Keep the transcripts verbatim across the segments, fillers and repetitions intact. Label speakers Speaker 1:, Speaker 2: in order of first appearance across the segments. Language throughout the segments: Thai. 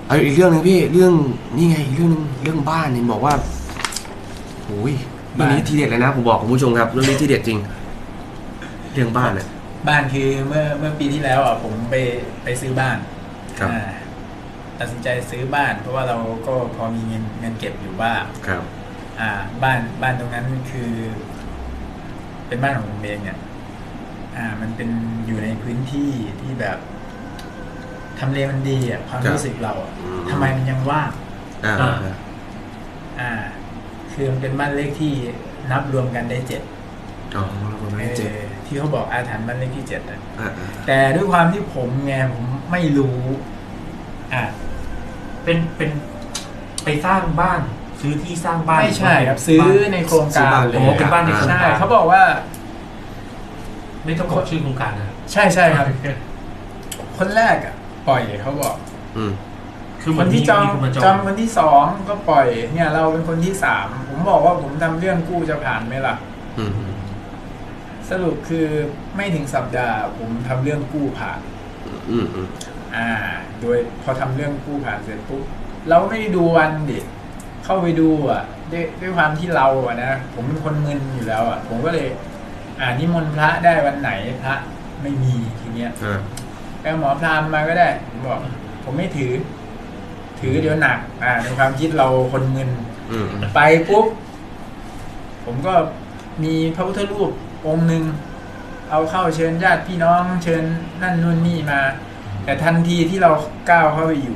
Speaker 1: เอาอีกเรื่องนึงพี่เรื่องนี่ไงอีกเรื่องนึงเรื่องบ้านเนี่ยบอกว่าโอ้ยเรื่องนี้ทีเด็ดเลยนะผมบอกคุณผู้ชมครับเรื่องนี้ทีเด็ดจริงเรื่องบ้านเนี่ย
Speaker 2: บ้านคือเมื่อเมื่อปีที่แล้วอ่ะผมไปไปซื้อบ้าน
Speaker 1: ครับ
Speaker 2: ตัดสินใจซื้อบ้านเพราะว่าเราก็พอมีเงินเงินเก็บอยู่บ้าง
Speaker 1: ครับ
Speaker 2: อ่า บ้านบ้านตรงนั้นคือ เป็นบ้านของผมเองเนี่ย อ่า มันเป็นอยู่ในพื้นที่ที่แบบทำเลมันดีอ่ะความรู้สึกเราอ่ะทำไมมันยังว่าง
Speaker 1: อ่า
Speaker 2: อ่า คือมันเป็นบ้านเลขที่นับรวมกันได้เจ็ด
Speaker 1: อ๋อประมาณเจ็ด
Speaker 2: ที่เขาบอกอาถรรพ์บ้านเลขที่เจ็ดอ่ะ
Speaker 1: อ่า
Speaker 2: แต่ด้วยความที่ผมไงผมไม่รู้ อ่า
Speaker 3: เป็นเป็นไปสร้างบ้าน ซื้อที่สร้างบ้าน
Speaker 2: ไม่ใช่ครับซื้อในโครงการเลย
Speaker 3: โอ้เป็นบ้านในโครง
Speaker 2: ใช่
Speaker 3: การ
Speaker 2: เขาบอกว่า
Speaker 3: ไม่ต้องบอกชื่อโครงการนะ
Speaker 2: ใช่ใช่ครับ คนแรกอ่ะ ปล่อยเขาบอก
Speaker 1: อืม
Speaker 3: คือ
Speaker 2: คนที่จอง
Speaker 3: มีคนมาจ
Speaker 2: จ
Speaker 3: อ
Speaker 2: อง งคนที่สองก็ปล่อย เนี่ย เราเป็นคนที่สามผมบอกว่าผมทำเรื่องกู้จะผ่านไหมล่ะ
Speaker 1: อืม
Speaker 2: สรุปคือไม่ถึงสัปดาห์ ผมทำเรื่องกู้ผ่าน
Speaker 1: อืมอืม
Speaker 2: อ่า โดยพอทำเรื่องกู้ผ่านเสร็จปุ๊บเราไม่ได้ดูวันดิเข้าไปดูอ่ะด้วยด้วยความที่เราอ่ะนะผมเป็นคนมึนอยู่แล้วอ่ะผมก็เลย อ่านิมนต์พระได้วันไหนพระไม่มีทีเนี้ย
Speaker 1: อ่า
Speaker 2: ไปหมอพราหมณ์มาก็ได้ผมบอก ผมไม่ถือ ถือเดี๋ยวหนัก อ่าในความคิดเราคนมึน
Speaker 1: อืม
Speaker 2: ไปปุ๊บผมก็มีพระพุทธรูปองค์หนึ่งเอาเข้าเชิญญาติพี่น้องเชิญนั่นนู่นนี่มา แต่ทันทีที่เราก้าวเข้าไปอยู่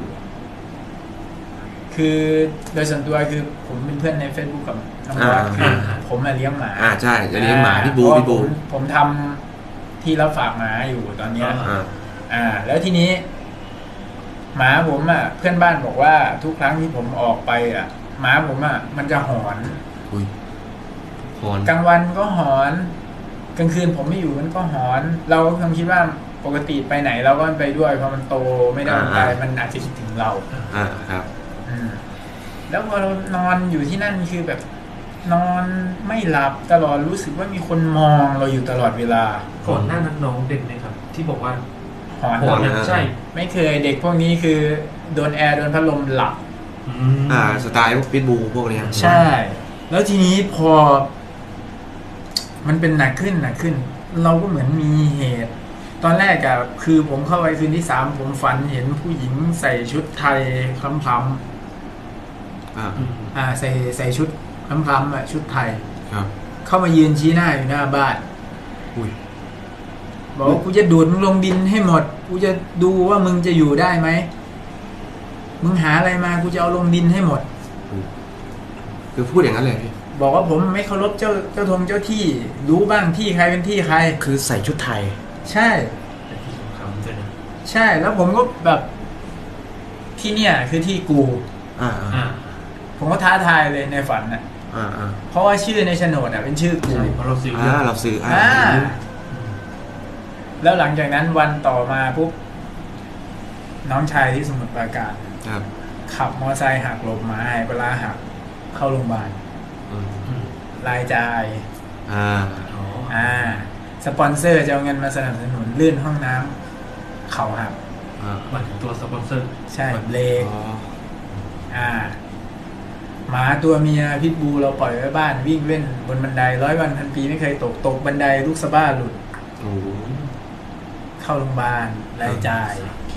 Speaker 2: คือโดยส่วนตัวคือผมเป็นเพื่อนใน Facebook กับน้องบอสคือผมมาเลี้ยงหมา
Speaker 1: อ่าใช่จะเลี้ยงหมาพี่บู
Speaker 2: เพระ
Speaker 1: พี่บู
Speaker 2: ผมผมทำที่รับฝากหมาอยู่ตอนเนี้ย
Speaker 1: อ่า
Speaker 2: อ่า แล้วทีนี้ หมาผมอ่ะ เพื่อนบ้านบอกว่าทุกครั้งที่ผมออกไปอ่ะ หมาผมอ่ะ มันจะหอน
Speaker 1: อุ้ยฮอน
Speaker 2: กลางวันก็หอน กลางคืนผมไม่อยู่มันก็หอน เราก็คงคิดว่าปกติไปไหนเราก็ไปด้วยพอมันโตไม่ได้มันไปมันอาจจะคิดถึงเรา
Speaker 1: อ่าครับ
Speaker 2: อืมแล้วพอเรานอนอยู่ที่นั่นคือแบบ นอนไม่หลับตลอดรู้สึกว่ามีคนมองเราอยู่ตลอดเวลา
Speaker 3: ก่อนหน้านั้นน้องเด็กไหมครับ ที่บอกว่า
Speaker 2: หอน
Speaker 3: หอนนะใช่
Speaker 2: ไม่เคยเด็กพวกนี้คือโดนแอร์โดนพัดลมหลับ
Speaker 3: อืม
Speaker 1: อ่าสไตล์พวกพิทบูพวกเนี้ย
Speaker 2: ใช่ แล้วทีนี้พอ มันเป็นหนักขึ้นหนักขึ้น เราก็เหมือนมีเหตุ ตอนแรกอะคือผมเข้าไปคืนที่สามผมฝันเห็นผู้หญิงใส่ชุดไทยคล้ำ
Speaker 1: อ่า
Speaker 3: อืม
Speaker 2: ๆอ่า ใส่ใส่ชุดคล้ำๆอะชุดไทย
Speaker 1: ครับ
Speaker 2: เข้ามายืนชี้หน้าอยู่หน้าบ้าน
Speaker 1: อุ้ย
Speaker 2: บอกว่ากูจะดูดมึงลงดินให้หมด กูจะดูว่ามึงจะอยู่ได้ไหม มึงหาอะไรมากูจะเอาลงดินให้หมด
Speaker 1: คือพูดอย่างนั้นเลยพี่
Speaker 2: บอกว่าผมไม่เคารพเจ้าเจ้าทงเจ้าที่ รู้บ้างที่ใครเป็นที่ใคร
Speaker 1: คือใส่ชุดไทย
Speaker 2: ใช่
Speaker 3: เป็นที่สำคัญด้วยนะ
Speaker 2: ใช่ แล้วผมก็แบบที่เนี่ยคือที่กู
Speaker 1: อ่าอ่า
Speaker 3: อ่า
Speaker 2: ผมก็ท้าทายเลยในฝันน่ะ
Speaker 1: อ่าอ่า
Speaker 2: เพราะว่าชื่อในโฉนดอ่ะเป็นชื่อกู
Speaker 3: ใช่เพราะเราซื้อเย
Speaker 1: อ่า
Speaker 3: อะ
Speaker 1: เราซื้ออ่า
Speaker 2: อ่า
Speaker 3: อืม
Speaker 2: แล้วหลังจากนั้นวันต่อมาปุ๊บน้องชายที่สมุทรปราการ
Speaker 1: ครับ
Speaker 2: ขับมอเตอร์ไซค์หักหลบหมาหายปลาหักเข้าโรงพยาบาล
Speaker 1: อืม
Speaker 3: อืม
Speaker 2: รายจ่าย
Speaker 1: อ่า
Speaker 3: อ๋อ
Speaker 2: อ่า สปอนเซอร์จะเอาเงินมาสนับสนุนลื่นห้องน้ำเข่าหัก
Speaker 1: อ่า
Speaker 3: หมายถึงตัวสปอนเซอร์
Speaker 2: ใช่เบรก
Speaker 1: อ๋อ
Speaker 2: อ่าหมาตัวเมียพิษบูเราปล่อยไว้บ้านวิ่งเล่นบนบันไดร้อยวันพันปีไม่เคยตกตกบันไดลูกสะบ้าหลุด
Speaker 1: โอ้โห
Speaker 2: เข้าโรงพยาบาลรายจ่าย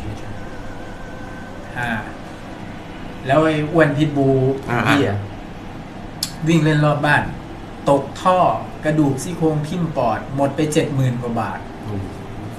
Speaker 2: อ่า แล้วไอ้อ้วนพิษบูพี่อ่ะวิ่งเล่นรอบบ้าน ตกท่อกระดูกซี่โครงทิ่มปอด หมดไปเจ็ดหมื่นกว่าบาท
Speaker 1: โอ้โห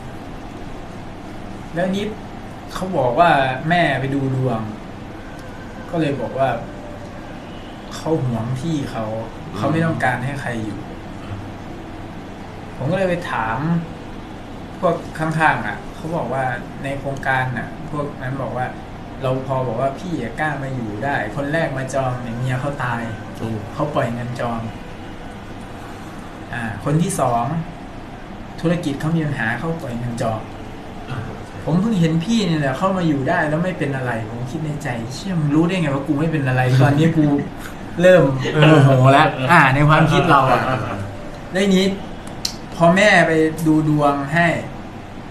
Speaker 2: แล้วนี้เขาบอกว่าแม่ไปดูดวง ก็เลยบอกว่าเขาหวงที่เขาเขาไม่ต้องการให้ใครอยู่ ผมก็เลยไปถาม พวกข้างๆอ่ะเขาบอกว่าในโครงการอ่ะ พวกนั้นบอกว่า เราพอบอกว่าพี่กล้ามาอยู่ได้ คนแรกมาจองเนี่ยเมียเขาตาย
Speaker 1: โอ้
Speaker 2: เขาปล่อยเงินจอง อ่า คนที่สองธุรกิจเขามีปัญหาเขาปล่อยเงินจอง
Speaker 3: อ่า
Speaker 2: ผมเพิ่งเห็นพี่เนี่ยแหละเข้ามาอยู่ได้แล้วไม่เป็นอะไร ผมคิดในใจเชื่อมงรู้ได้ไงว่ากูไม่เป็นอะไร ตอนนี้กูเริ่มโมโหแล้ว อ่า ในความคิดเราอ่ะแล้วทีนี้ พอแม่ไปดูดวงให้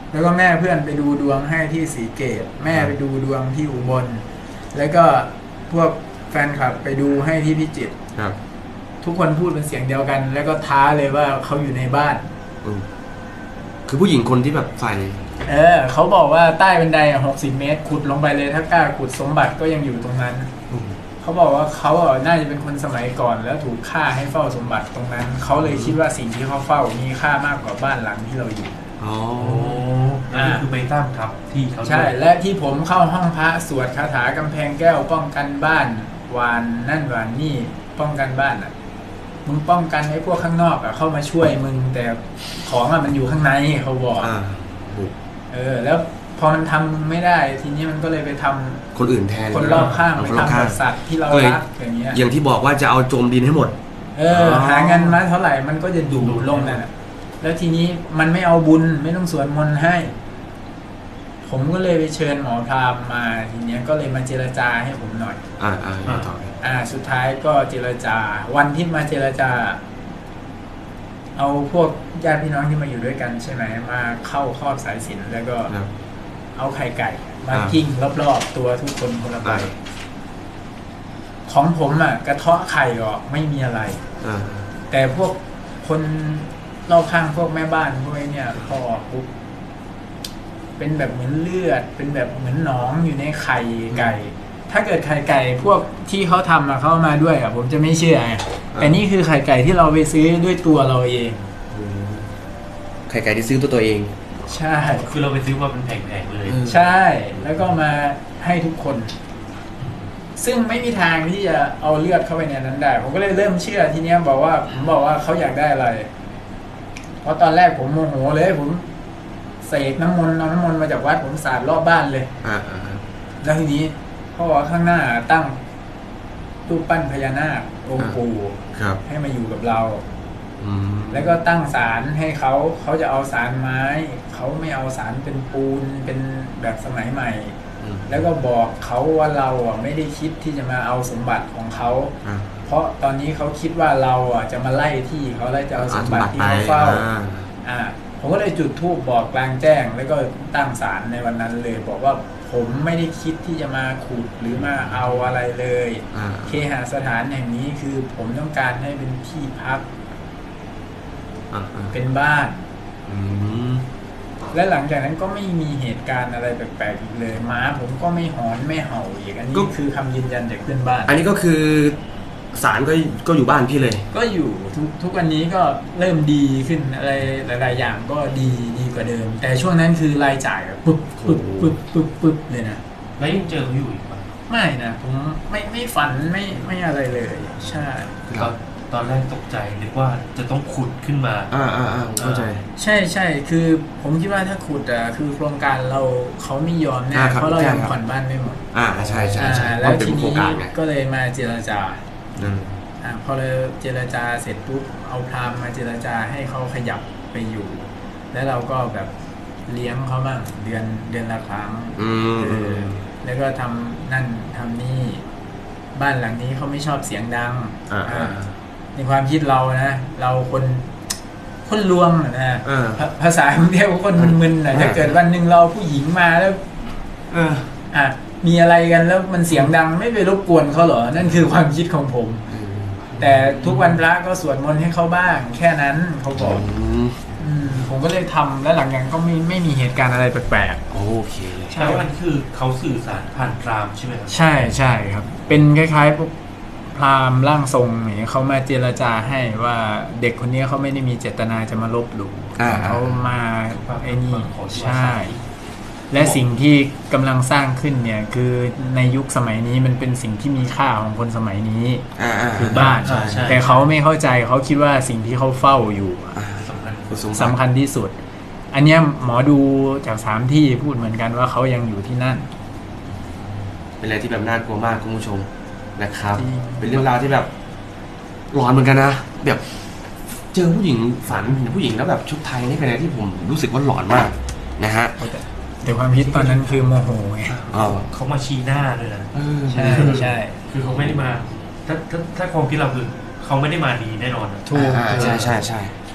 Speaker 2: แล้วก็แม่เพื่อนไปดูดวงให้ที่ศรีเกตแม่ไปดูดวงที่อุบลแล้วก็พวกแฟนคลับไปดูให้ที่พิจิตร
Speaker 1: ครับ
Speaker 2: ทุกคนพูดเป็นเสียงเดียวกัน แล้วก็ท้าเลยว่าเขาอยู่ในบ้าน
Speaker 1: อืมคือผู้หญิงคนที่แบบใส่
Speaker 2: เออเขาบอกว่าใต้บันไดหกสิบเมตรขุดลงไปเลยถ้ากล้าขุดสมบัติก็ยังอยู่ตรงนั้น
Speaker 1: อืม
Speaker 2: เขาบอกว่าเขาอ่ะน่าจะเป็นคนสมัยก่อนแล้วถูกฆ่าให้เฝ้าสมบัติตรงนั้น เขาเลยคิดว่าสิ่งที่เขาเฝ้ามีค่ามากกว่าบ้านหลังที่เราอยู่
Speaker 1: อ๋อ
Speaker 3: โอ้แล้วนี่คือไปตั้งทับที่เขาด้วย
Speaker 2: ใช่และที่ผมเข้าห้องพระสวดคาถากำแพงแก้วป้องกันบ้านวานนั่นวานนี่ป้องกันบ้านอ่ะมึงป้องกันไอ้พวกข้างนอกอ่ะเข้ามาช่วยมึงแต่ของอ่ะมันอยู่ข้างในเขาบอก
Speaker 1: อ่าบุก
Speaker 2: เออแล้วพอมันทำไม่ได้ทีนี้มันก็เลยไปทำ
Speaker 1: คนอื่นแทน
Speaker 2: คนรอบข้าง
Speaker 1: เอ
Speaker 2: ไป
Speaker 1: คนรอบ
Speaker 2: ทำ
Speaker 1: ข้า
Speaker 2: กั
Speaker 1: ง
Speaker 2: บสัตว์ที่เรา
Speaker 1: ก็เลย
Speaker 2: รักอย่างเงี้ย
Speaker 1: อย่างที่บอกว่าจะเอาโจมดินให้หมด
Speaker 2: เออ
Speaker 1: อ๋อ
Speaker 2: หาเงินมาเท่าไหร่มันก็จะดูดลงนั่นแหละแล้วทีนี้มันไม่เอาบุญไม่ต้องสวดมนต์ให้ ผมก็เลยไปเชิญหมอพราหมณ์มาทีเนี้ยก็เลยมาเจรจาให้ผมหน่อย
Speaker 1: อ่าอ่าอ่าต่อไป
Speaker 2: อ่า สุดท้ายก็เจรจา วันที่มาเจรจา เอาพวกญาติพี่น้องที่มาอยู่ด้วยกันใช่ไหมมาเข้าครอบสายสิญจนแล้วก็
Speaker 1: ครับ
Speaker 2: เอาไข่ไก่มา
Speaker 1: อ่า
Speaker 2: กิ้งรอบๆตัวทุกคนคนละใบ
Speaker 1: อ่า
Speaker 2: ของผมอ่ะ กระเทาะไข่ออกไม่มีอะไร
Speaker 1: อ่า
Speaker 2: แต่พวกคนรอบข้างพวกแม่บ้านพวกไอ้เนี่ยพอออกปุ๊บเป็นแบบเหมือนเลือด เป็นแบบเหมือนหนองอยู่ในไข่ไก่ ถ้าเกิดไข่ไก่พวกที่เขาทำอะเข้ามาด้วยอะผมจะไม่เชื่อไงแต่นี่คือไข่ไก่ที่เราไปซื้อด้วยตัวเราเอง
Speaker 1: อืมไข่ไก่ที่ซื้อตัวตัวเอง
Speaker 2: ใช่
Speaker 3: คือเราไปซื้อมาเป็นแผงๆเลย
Speaker 1: เออ
Speaker 2: ใช่ แล้วก็มาให้ทุกคน ซึ่งไม่มีทางที่จะเอาเลือดเข้าไปในนั้นได้ ผมก็เลยเริ่มเชื่อทีเนี้ยบอกว่าผมบอกว่าเขาอยากได้อะไร เพราะตอนแรกผมโมโหเลยผมเสกน้ำมนต์เอาน้ำมนต์มาจากวัดผมสาดรอบบ้านเลย
Speaker 1: อ่าอ่า
Speaker 2: แล้วทีนี้เขาบอกว่าข้างหน้าตั้งรูปปั้นพญานาคองค์ปู่
Speaker 1: ครับ
Speaker 2: ให้มาอยู่กับเรา
Speaker 1: อืม
Speaker 2: แล้วก็ตั้งศาลให้เขาเขาจะเอาศาลไม้เขาไม่เอาศาลเป็นปูนเป็นแบบสมัยใหม่
Speaker 1: อืม
Speaker 2: แล้วก็บอกเขาว่าเราอ่ะไม่ได้คิดที่จะมาเอาสมบัติของเขา
Speaker 1: อ่า
Speaker 2: เพราะตอนนี้เขาคิดว่าเราอ่ะจะมาไล่ที่เขาแล้วจะเอาสมบัติที่เขาเฝ้า
Speaker 1: อ่า
Speaker 2: อ่า ผมก็เลยจุดธูปบอกกลางแจ้ง แล้วก็ตั้งศาลในวันนั้นเลย บอกว่าผมไม่ได้คิดที่จะมาขุดหรือมาเอาอะไรเลย
Speaker 1: อ่า
Speaker 2: เคหสถานแห่งนี้คือผมต้องการให้เป็นที่พัก
Speaker 1: อ่าอ่า
Speaker 2: เป็นบ้าน
Speaker 1: อืม
Speaker 2: และหลังจากนั้นก็ไม่มีเหตุการณ์อะไรแปลกๆอีกเลยหมาผมก็ไม่หอนไม่เห่าอีกอันนี้คือคำยืนยันจากเพื่อนบ้าน
Speaker 1: อันนี้ก็คือสารก็ก็อยู่บ้านพี่เลย
Speaker 2: ก็อยู่ทุกทุกวันนี้ก็เริ่มดีขึ้นอะไรหลายๆอย่างก็ดีดีกว่าเดิม แต่ช่วงนั้นคือรายจ่ายแบบปึ๊บปึ๊บปึ๊บปึ๊บปึ๊บเลยนะ
Speaker 3: แล้วยังเจอเขาอยู่อีกปะ
Speaker 2: ไม่นะผมไม่ไม่ฝันไม่ไม่อะไรเลย ใช่
Speaker 3: ตอนตอนแรกตกใจนึกว่าจะต้องขุดขึ้นมา
Speaker 1: อ่าอ่าอ่าผมเข้าใจ
Speaker 2: ใช่ใช่คือผมคิดว่าถ้าขุดอ่ะคือโครงการเราเขาไม่ยอมแน่
Speaker 1: อ่าครับ
Speaker 2: เพราะเรายัง
Speaker 1: ใช่ครับ
Speaker 2: ผ่อนบ้านไม่หมด
Speaker 1: อ่าใช่ใช่ใช่
Speaker 2: อ่า
Speaker 1: เพ
Speaker 2: แล้ว
Speaker 1: ราะเป็น
Speaker 2: ที
Speaker 1: โครง
Speaker 2: นี้
Speaker 1: การไง
Speaker 2: ก็เลยมาเจรจา
Speaker 1: อืม
Speaker 2: อ่าพอเราเจรจาเสร็จปุ๊บเอาพราหมณ์มาเจรจาให้เขาขยับไปอยู่ แล้วเราก็แบบเลี้ยงเขาบ้างเดือนเดือนละครั้ง
Speaker 1: อืม
Speaker 2: เออแล้วก็ทำนั่นทำนี่บ้านหลังนี้เขาไม่ชอบเสียงดัง
Speaker 1: อ่าอ่า
Speaker 2: อ่าในความคิดเรานะเราคนคนลวงอะนะ
Speaker 1: เออ
Speaker 2: ภาภาษากรุงเทพคนมึนๆนะ
Speaker 1: อ่า
Speaker 2: ถ้าเกิดวันหนึ่งเราผู้หญิงมาแล้ว
Speaker 1: เออ
Speaker 2: อ่ะมีอะไรกันแล้วมันเสียงดังไม่ไปรบกวนเขาเหรอนั่นคือความคิดของผม แต่ทุกวันพระก็สวดมนต์ให้เขาบ้าง แค่นั้นเขาบอก
Speaker 1: อืม
Speaker 2: อืมผมก็เลยทำแล้วหลังจากนั้นก็ไม่ไม่มีเหตุการณ์อะไรแปลก
Speaker 1: โอเคเลย
Speaker 2: ใช่
Speaker 3: แล้วมันคือเขาสื่อสารผ่านพรามใช่ไหมครับ
Speaker 2: ๆ ใช่ใช่ครับ เป็นคล้ายๆพวกพราหมณ์ร่างทรงอย่างเงี้ยเขามาเจรจาให้ว่าเด็กคนนี้เขาไม่ได้มีเจตนาจะมาลบหลู่
Speaker 1: อ่า
Speaker 2: เขามาไอ้นี่
Speaker 3: ขอที่ว่า
Speaker 2: ใช่ และสิ่งที่กำลังสร้างขึ้นเนี่ยคือในยุคสมัยนี้มันเป็นสิ่งที่มีค่าของคนสมัยนี้
Speaker 1: อ่าอ่า
Speaker 2: คือบ้าน
Speaker 3: ใช่ใช่
Speaker 2: แต่เขาไม่เข้าใจเขาคิดว่าสิ่งที่เขาเฝ้าอยู่อะ
Speaker 1: อ่า
Speaker 3: สำคัญ
Speaker 1: คุณสมบัติ
Speaker 2: สำคัญที่สุด อันเนี้ยหมอดูจากสามที่พูดเหมือนกันว่าเขายังอยู่ที่นั่น
Speaker 1: เป็นอะไรที่แบบน่ากลัวมากคุณผู้ชมนะครับ
Speaker 2: จริง
Speaker 1: เป็นเรื่องราวที่แบบหลอนเหมือนกันนะแบบเจอผู้หญิงฝันเห็นผู้หญิงแล้วแบบชุดไทยนี่เป็นอะไรที่ผมรู้สึกว่าหลอนมากนะฮะ
Speaker 2: แต่แต่ความคิดตอนนั้นคือโมโหไง
Speaker 1: อ๋อ
Speaker 3: เขามาชี้หน้าเลยนะ
Speaker 1: เออ
Speaker 2: ใช่ใช่
Speaker 3: คือเขาไม่ได้มา ถ้าถ้าถ้าความคิดเราคือเขาไม่ได้มาดีแน่นอนอะ
Speaker 2: ถูก
Speaker 1: อ่าใช่ใช่ใช่
Speaker 2: ถ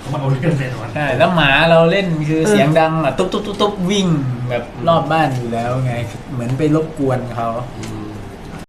Speaker 3: เขามาเอาเรื่องแน่นอน
Speaker 2: ใช่แล้วหมาเราเล่นคือเสียงดังอ่ะตุ๊บตุ๊บตุ๊บตุ๊บวิ่งแบบรอบบ้านอยู่แล้วไง เหมือนไปรบกวนเขา
Speaker 1: อืม